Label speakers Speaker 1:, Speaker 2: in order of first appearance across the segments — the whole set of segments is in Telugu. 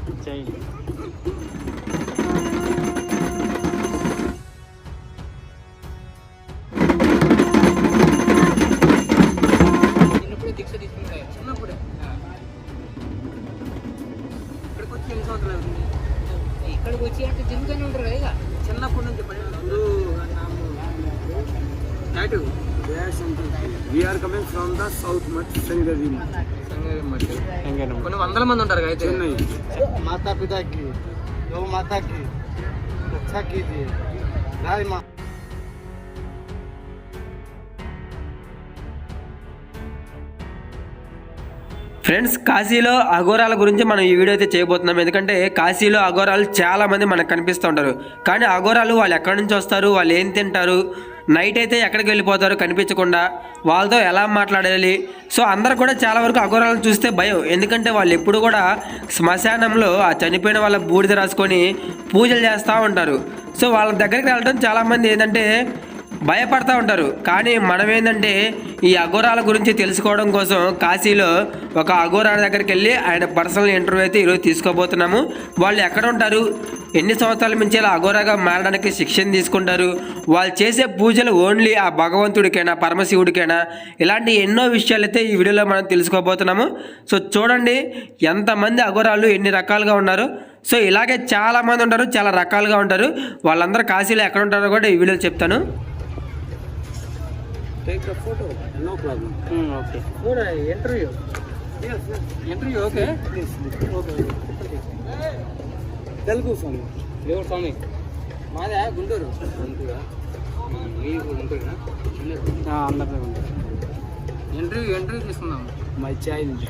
Speaker 1: చిన్నప్పుడే దీక్ష తీసుకున్నాడు. చిన్నప్పుడే ఇక్కడికి వచ్చి ఎన్ని సంవత్సరాలు అవుతుంది? ఇక్కడికి వచ్చి అంటే తిరుగుతూనే ఉంటారు కదా చిన్నప్పటి నుంచి.
Speaker 2: We are coming from the south much Sangari much.
Speaker 1: కొన్ని వందల మంది ఉంటారు అయితే.
Speaker 2: माता पिता की गौ माता की रक्षा कीजिए गाय माँ.
Speaker 3: ఫ్రెండ్స్, కాశీలో అఘోరాల గురించి మనం ఈ వీడియో అయితే చేయబోతున్నాం. ఎందుకంటే కాశీలో అఘోరాలు చాలా మంది మనకు కనిపిస్తూ ఉంటారు. కానీ అఘోరాలు వాళ్ళు ఎక్కడి నుంచి వస్తారు, వాళ్ళు ఏం తింటారు, నైట్ అయితే ఎక్కడికి వెళ్ళిపోతారు కనిపించకుండా, వాళ్ళతో ఎలా మాట్లాడాలి. సో అందరు కూడా చాలా వరకు అఘోరాలను చూస్తే భయం. ఎందుకంటే వాళ్ళు ఎప్పుడు కూడా శ్మశానంలో ఆ చనిపోయిన వాళ్ళ బూడిద రాసుకొని పూజలు చేస్తూ ఉంటారు. సో వాళ్ళ దగ్గరికి వెళ్ళడం చాలామంది ఏంటంటే భయపడతా ఉంటారు. కానీ మనం ఏంటంటే ఈ అఘోరాల గురించి తెలుసుకోవడం కోసం కాశీలో ఒక అఘోరాల దగ్గరికి వెళ్ళి ఆయన పర్సనల్ ఇంటర్వ్యూ అయితే ఈరోజు తీసుకోబోతున్నాము. వాళ్ళు ఎక్కడ ఉంటారు, ఎన్ని సంవత్సరాల నుంచి ఇలా అఘోరాగా మారడానికి శిక్షణ తీసుకుంటారు, వాళ్ళు చేసే పూజలు ఓన్లీ ఆ భగవంతుడికైనా పరమశివుడికైనా, ఇలాంటి ఎన్నో విషయాలు అయితే ఈ వీడియోలో మనం తెలుసుకోబోతున్నాము. సో చూడండి ఎంతమంది అఘోరాలు ఎన్ని రకాలుగా ఉన్నారు. సో ఇలాగే చాలామంది ఉంటారు, చాలా రకాలుగా ఉంటారు. వాళ్ళందరూ కాశీలో ఎక్కడ ఉంటారో కూడా ఈ వీడియోలో చెప్తాను.
Speaker 2: Take the photo, no problem.
Speaker 1: Okay. కూడా interview interview okay. Okay.
Speaker 2: Telugu స్వామి.
Speaker 1: దేవుడు స్వామి. మాదే గుంటూరు. గుంటూరా? మీరు గుంటూరునా?
Speaker 2: అందరిలో ఉంటారు.
Speaker 1: ఇంటర్వ్యూ తీసుకుందాం.
Speaker 2: My child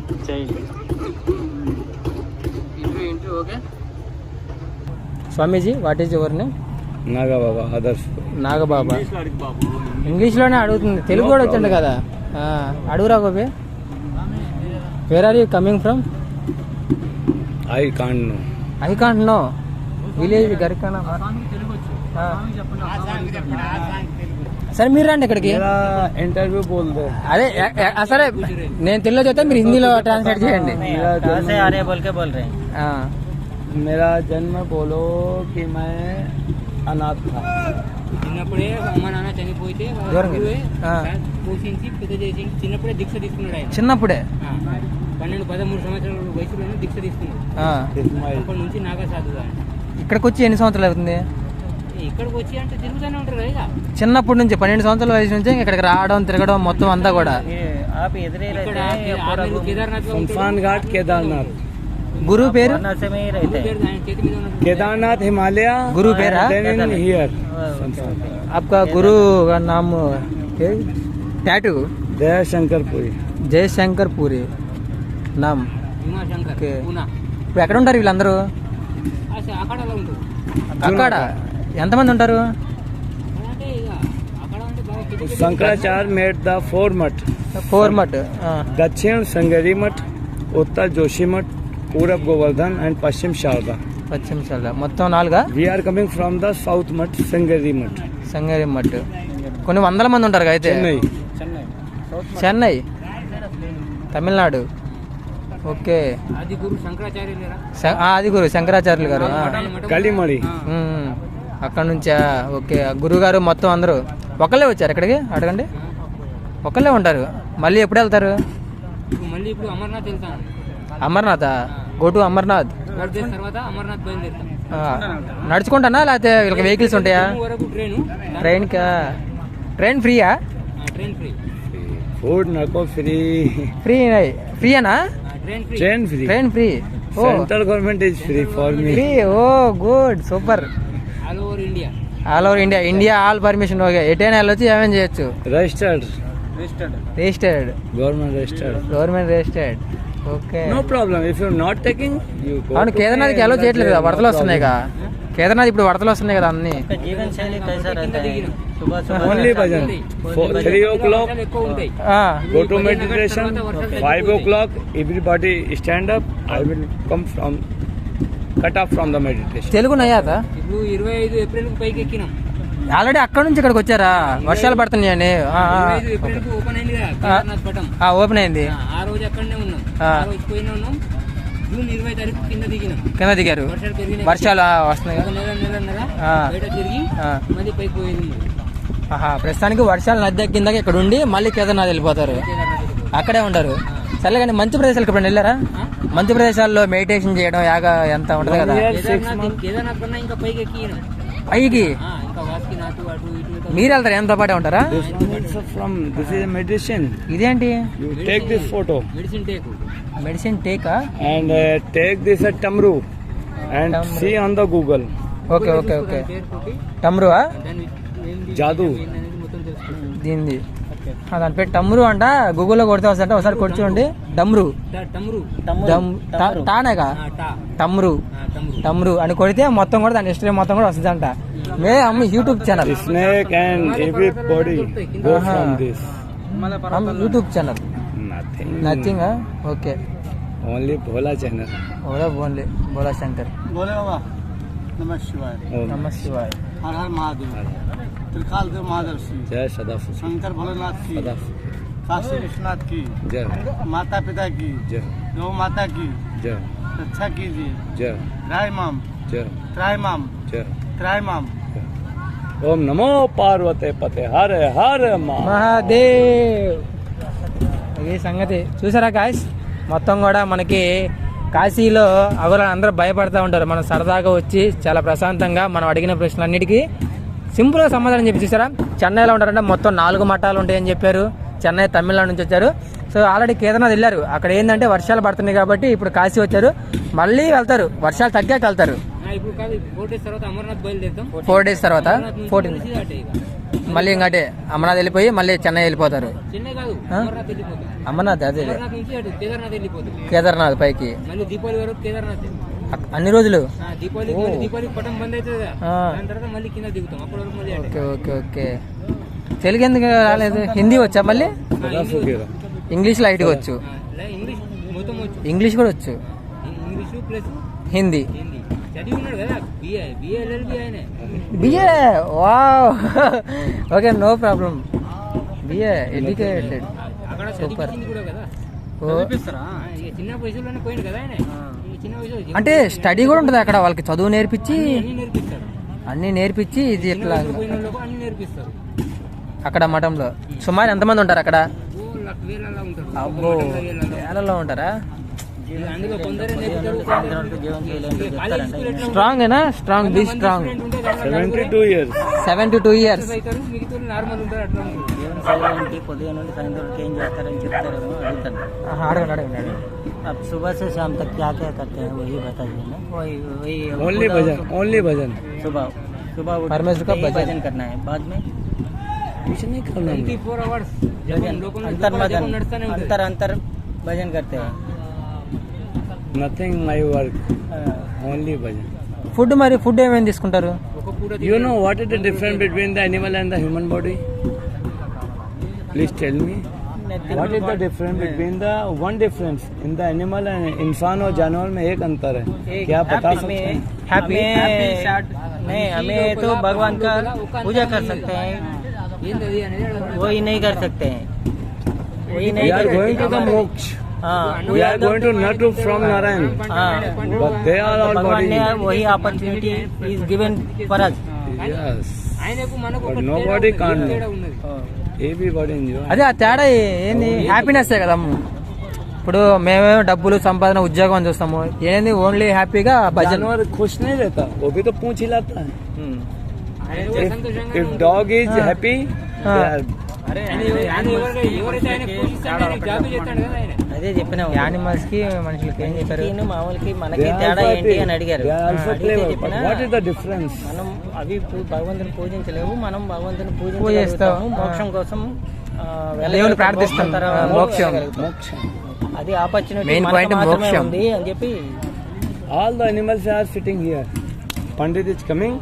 Speaker 1: interview okay.
Speaker 4: స్వామీజీ, what is your name?
Speaker 2: Nagababa Adarsh.
Speaker 4: Nagababa. ఇంగ్లీష్లోనే అడుగుతుంది, తెలుగు కూడా వచ్చిండు కదా. అడుగురా Gopi. Where are you coming from?
Speaker 2: I can't know.
Speaker 4: I can't know. Village Garikana. సరే మీరు రండి ఇక్కడికి.
Speaker 2: ఇంటర్వ్యూ బోల్దే.
Speaker 4: అదే సరే, నేను తెలుగులో చెప్తే మీరు హిందీలో ట్రాన్స్లేట్ చేయండి.
Speaker 2: मेरा जन्म बोलो कि मैं अनाथ था.
Speaker 1: చిన్నప్పుడే అమ్మ నాన్న చనిపోతే పోషించి పెద్ద చేసి చిన్నప్పుడే దీక్ష తీసుకున్నాడు ఆయన.
Speaker 4: చిన్నప్పుడే
Speaker 1: 12-13 సంవత్సరాల వయసులోనే దీక్ష తీసుకున్నాడు. అప్పటి నుంచి నాగా సాధువు ఆయన.
Speaker 4: ఇక్కడికి వచ్చి ఎన్ని సంవత్సరాలు అవుతుంది?
Speaker 1: ఇక్కడికి వచ్చి అంటే తిరుగుతూనే ఉంటారు కదా
Speaker 4: చిన్నప్పటి నుంచి 12 సంవత్సరాల వయసు నుంచి ఇక్కడికి రావడం తిరగడం మొత్తం అంతా కూడా.
Speaker 2: शमशान घाट केदारनाथ.
Speaker 4: गुरु పేరు?
Speaker 2: केदारनाथ हिमालय.
Speaker 4: गुरु పేరా?
Speaker 2: हियर.
Speaker 4: आपका गुरु का नाम टैटू?
Speaker 2: जयशंकरपुरी.
Speaker 4: జయశంకర్పురి నామ్.
Speaker 1: భీమాశంకర్ పూనా.
Speaker 4: ఇప్పుడు ఎక్కడ ఉంటారు వీళ్ళందరూ?
Speaker 1: అక్కడలో ఉంటారు.
Speaker 4: అక్కడ ఎంతమంది ఉంటారు?
Speaker 1: అంటే ఇక అక్కడ అంటే బాగా
Speaker 2: शंकराचार्य मेड द 4 मठ.
Speaker 4: 4 मठ.
Speaker 2: दक्षिण संगरी मठ, उत्तर जोशी मठ, पूरब गोवर्धन एंड पश्चिम शारदा.
Speaker 4: పశ్చిమ శారదా. మొత్తం 4గా?
Speaker 2: We are coming from the south mठ, संगरी मठ.
Speaker 4: సంగారెడ్డి మఠ్. కొన్ని వందల మంది ఉంటారు అయితే. చెన్నై, తమిళనాడు. ఓకే.
Speaker 1: ఆది గురు శంకరాచార్యులేరా?
Speaker 4: ఆది గురు శంకరాచార్యులు గారు.
Speaker 2: కలిమడి.
Speaker 4: అక్కడ నుంచా? ఓకే. గురువు గారు మొత్తం అందరూ ఒకళ్ళే వచ్చారు ఇక్కడికి? అడగండి. ఒకళ్ళే ఉంటారు. మళ్ళీ ఎప్పుడు వెళ్తారు?
Speaker 1: మళ్ళీ ఇప్పుడు అమర్నాథ్ వెళ్తాను.
Speaker 4: అమర్నాథ్. Go to Amarnath.
Speaker 1: తర్వాత అమర్నాథ్ బయలుదేరుతాం.
Speaker 4: నడుచుకుంటానా లేకపోతే వీళ్ళకి వెహికల్స్ ఉంటాయా? ట్రైన్ ఫ్రీయా?
Speaker 1: Train free.
Speaker 2: फूड नको फ्री.
Speaker 4: ఫ్రీయేనా? Train free.
Speaker 2: Central government is free for me.
Speaker 4: Free. Oh good, super.
Speaker 1: All over India.
Speaker 4: India all permission. Okay. ఎటైనా వెళ్ళొచ్చు, ఏమేం చేయొచ్చు.
Speaker 2: Registered.
Speaker 4: Government registered. Okay.
Speaker 2: No problem. If you are not taking, you go.
Speaker 4: అవును, కేదార్నాథ్కి ఎలా చేయట్లేదు కదా, వరదలు వస్తున్నాయి కదా. కేదార్నాథ్ ఇప్పుడు వరదలు వస్తున్నాయి కదా అన్ని.
Speaker 2: Only bhajan. 3 o'clock go to meditation. 5 o'clock everybody stand up. I will come from cut off from the meditation.
Speaker 4: Telugu నయ్యాక
Speaker 1: ఇప్పుడు 25 ఏప్రిల్ పైకి ఎక్కినాం.
Speaker 4: ఆల్రెడీ అక్కడ నుంచి ఇక్కడికి వచ్చారా? వర్షాలు పడుతున్నాయని.
Speaker 1: 25 ఏప్రిల్ ఓపెన్ అయింది కదా కేదార్నాథ్ పటం.
Speaker 4: ఓపెన్ అయింది.
Speaker 1: ఆ రోజు అక్కడనే ఉన్నాం. ఆ రోజు పోయినా ఉన్నాం. జూన్ 20 తారీఖు కింద దిగినాం.
Speaker 4: కింద దిగారు.
Speaker 1: వర్షాలు పెరిగినాయి.
Speaker 4: వర్షాలు వస్తున్నాయి
Speaker 1: ఒక నెలన్నర బయట తిరిగి మళ్ళీ పైకి పోయింది.
Speaker 4: ప్రస్తుతానికి వర్షాలు నది కిందకి ఇక్కడ ఉండి మళ్ళీ కేదార్నాథ్ వెళ్ళిపోతారు. అక్కడే ఉండరు. సరే కానీ మంచి ప్రదేశాలకు ఇప్పుడు వెళ్ళారా? మంచి ప్రదేశాల్లో మెడిటేషన్ చేయడం యాగా ఎంత ఉంటుంది కదా.
Speaker 1: కేదార్నాథ్ కన్నా ఇంకా పైకి ఎక్కినాం.
Speaker 4: పైకి
Speaker 1: ఇంకా వాసుకినాథ్ అటు ఇటు
Speaker 4: మీరు వెళ్తారు? ఎంతో పాటే ఉంటారా?
Speaker 2: మెడిటేషన్.
Speaker 4: ఇదేంటి?
Speaker 2: Take this photo.
Speaker 1: Medicine take
Speaker 2: and take this at Tamru and see on the Google.
Speaker 4: Okay టమ్రువా?
Speaker 2: జాదు
Speaker 4: దీనిది దాని పేరు టమ్రు అంట. గూగుల్లో కొడితే వస్తుంటే ఒకసారి కొట్టి చూడండి. డమ్రు టానేగా టమ్రు అని కొడితే మొత్తం కూడా దాని హిస్టరీ మొత్తం కూడా వస్తుంది అంట. YouTube channel
Speaker 2: snake and everybody go from this.
Speaker 4: YouTube channel nothing. Okay
Speaker 2: only Bhola channel.
Speaker 4: Only Bhola Shankar.
Speaker 5: बोले बाबा नमः शिवाय,
Speaker 4: నమ శివాయ.
Speaker 5: हर हर महादेव, त्रिकाल देव महादेव श्री
Speaker 2: जय सदाफु
Speaker 5: शंकर भोलेनाथ की,
Speaker 2: सदाफु
Speaker 5: काशी विश्वनाथ की,
Speaker 2: जय
Speaker 5: माता पिता की,
Speaker 2: जय
Speaker 5: गौ माता की
Speaker 2: जय
Speaker 5: रक्षा कीजिए.
Speaker 2: जय
Speaker 5: त्रायमाम
Speaker 2: जय
Speaker 5: त्रायमाम
Speaker 2: जय
Speaker 5: त्रायमाम.
Speaker 2: ओम नमो पार्वते पते हर हर
Speaker 4: మహాదేవ్. ఈ సంగతి చూసారా గాయస్? మొత్తం కూడా మనకి కాశీలో అగోరాలు అందరూ భయపడతా ఉంటారు. మనం సరదాగా వచ్చి చాలా ప్రశాంతంగా మనం అడిగిన ప్రశ్నలన్నిటికీ సింపుల్గా సమాధానం చెప్పి చూసారా. చెన్నైలో ఉంటారంటే మొత్తం 4 మఠాలు ఉంటాయని చెప్పారు. చెన్నై తమిళనాడు నుంచి వచ్చారు. సో ఆల్రెడీ కేదార్నాథ్ వెళ్ళారు. అక్కడ ఏంటంటే వర్షాలు పడుతున్నాయి కాబట్టి ఇప్పుడు కాశీ వచ్చారు. మళ్ళీ వెళ్తారు, వర్షాలు తగ్గాక వెళ్తారు.
Speaker 1: ఇప్పుడు కాదు 4 డేస్ తర్వాత అమర్నాథ్ బయలుదేరుతాం.
Speaker 4: 4 డేస్ తర్వాత 14 మళ్ళీ ఇంకటే అమర్నాథ్ వెళ్ళిపోయి మళ్ళీ చెన్నై వెళ్ళిపోతారు.
Speaker 1: చెన్నై కాదు అమర్నాథ్ వెళ్ళిపోతాం.
Speaker 4: అమర్నాథ్ అదే
Speaker 1: అమర్నాథ్ నుంచి అటు కేదార్నాథ్ వెళ్ళిపోతాం.
Speaker 4: కేదార్నాథ్ పైకి
Speaker 1: మళ్ళీ దీపావళి వరకు కేదార్నాథ్.
Speaker 4: అన్ని రోజులు
Speaker 1: దీపావళికి పటం బంద్ అవుతుంది కదా. దాని తర్వాత మళ్ళీ కింద దిగుతాం. అప్పటి వరకు మళ్ళీ
Speaker 4: ఓకే తెలుగు ఎందుకు రాలేదు? హిందీ వచ్చా? మళ్ళీ ఇంగ్లీష్ లైట్గా వచ్చు.
Speaker 1: ఇంగ్లీష్ మొత్తం వచ్చు.
Speaker 4: ఇంగ్లీష్ కూడా వచ్చు.
Speaker 1: ఇంగ్లీష్ ప్లస్
Speaker 4: హిందీ
Speaker 1: చదివి ఉన్నాడు కదా. బిఏ ఆయన
Speaker 4: BA. Wow okay no problem. BA educated.
Speaker 1: అక్కడ
Speaker 4: సూపర్.
Speaker 1: కూడా కదా. చిన్న వయసులోనే పోయింది కదా ఆయన. చిన్న వయసు
Speaker 4: అంటే స్టడీ కూడా ఉంటుంది అక్కడ. వాళ్ళకి చదువు నేర్పించి
Speaker 1: నేర్పిస్తారు.
Speaker 4: అన్ని నేర్పించి ఇది ఎట్లా
Speaker 1: అన్ని నేర్పిస్తారు
Speaker 4: అక్కడ మఠంలో. సుమారు ఎంతమంది ఉంటారు అక్కడ?
Speaker 1: వేలలో ఉంటారు.
Speaker 4: అబ్బో వేలలో ఉంటారా?
Speaker 1: అందులో కొందరే నేర్పుతారు.
Speaker 4: స్ట్రాంగ్ ఏనా? Strong be strong.
Speaker 2: 72 years.
Speaker 4: 72 years.
Speaker 1: మిగతా నార్మల్ ఉంటారు. అట్లా
Speaker 5: పొద్దున నుండి సాయంత్రం ఏం చేస్తారని చెప్తారు అడుగుతాను.
Speaker 4: అడగండి.
Speaker 5: अब सुबह से शाम तक क्या क्या करते हैं वही बताइए ना. वही
Speaker 2: only भजन.
Speaker 5: सुबह उठ
Speaker 4: परमेश्वर का
Speaker 5: भजन करना है. बाद में
Speaker 2: कुछ नहीं करना.
Speaker 1: 24 hours
Speaker 5: अंतर भजन करते हैं.
Speaker 2: Nothing my work. Only bhajan.
Speaker 4: Food ఏమేమి తీసుకుంటారు?
Speaker 2: You know what is the difference between the animal and the human body? Please tell me. What is the difference between the one difference in the animal and इंसान और जानवर में एक अंतर है. क्या बता सकते हैं?
Speaker 5: हैप्पी नहीं, हमें तो भगवान का पूजा कर सकते हैं. वही नहीं कर सकते हैं. वही नहीं.
Speaker 2: We are going to the moksha. We are going to not to from Narayan. But they are all
Speaker 5: भगवान ने
Speaker 2: body.
Speaker 5: वही opportunity is given for us.
Speaker 2: Yes.
Speaker 1: ఆయనకు మనకు
Speaker 2: But nobody can't know. Everybody enjoy.
Speaker 4: అదే ఆ తేడా ఏంది? హ్యాపీనెస్ కదా. ఇప్పుడు మేమేమో డబ్బులు సంపాదన ఉద్యోగం అని చూస్తాము. ఏంది ఓన్లీ హ్యాపీగా భజన.
Speaker 2: जानवर खुश नहीं रहता, वो भी तो पूंछ हिलाता है. If dog is happy, they are
Speaker 1: ఎవరైతే ఆయన పోషిస్తాడో ఆయనకు జాబ్ చేస్తాడు కదా ఆయన.
Speaker 5: అదే చెప్పినా.
Speaker 4: యానిమల్స్ కి మనుషులకి ఏం చెప్పారు?
Speaker 5: మామూలుకి మనకి
Speaker 2: they are
Speaker 5: తేడా
Speaker 2: also
Speaker 5: ఏంటి
Speaker 2: happy.
Speaker 5: అని అడిగారు.
Speaker 2: They are also
Speaker 5: అడిగితే
Speaker 2: clever. But
Speaker 5: చెప్పినా
Speaker 2: what is the difference?
Speaker 5: మనం అవి భగవంతుని పూజించలేవు. మనం భగవంతుని
Speaker 4: పూజిస్తాము.
Speaker 5: పూజించగలుగుతాము. మోక్షం కోసం
Speaker 4: దేవుని ప్రార్థిస్తాం. మోక్షం.
Speaker 2: Moksha.
Speaker 5: అది ఆపర్చునిటీ
Speaker 4: Main point మోక్షం.
Speaker 5: ఉంది అని చెప్పి.
Speaker 2: All the animals are sitting here. Pandit is coming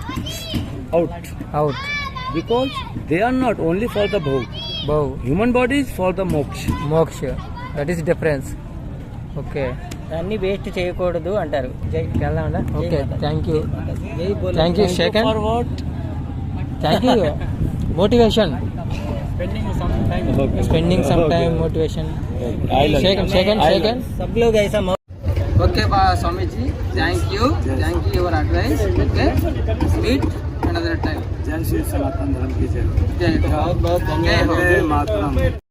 Speaker 2: out because they are not only for the bhog. Human body is for the moksha.
Speaker 4: That is difference. Okay
Speaker 5: దాన్ని వేస్ట్ చేయకూడదు అంటారు.
Speaker 4: వెళ్దామండి. Okay thank you.
Speaker 5: జై బోలో.
Speaker 4: Thank you second.
Speaker 2: For what?
Speaker 4: Thank you motivation.
Speaker 2: Okay.
Speaker 4: Spending some time motivation.
Speaker 2: I love you.
Speaker 4: Second
Speaker 5: सब लोग ऐसा
Speaker 1: Okay, Swamiji, thank you your advice. Okay, meet another time.
Speaker 2: जय श्री सनातन धर्म की जय।
Speaker 1: जय हो।
Speaker 2: जय मातरम।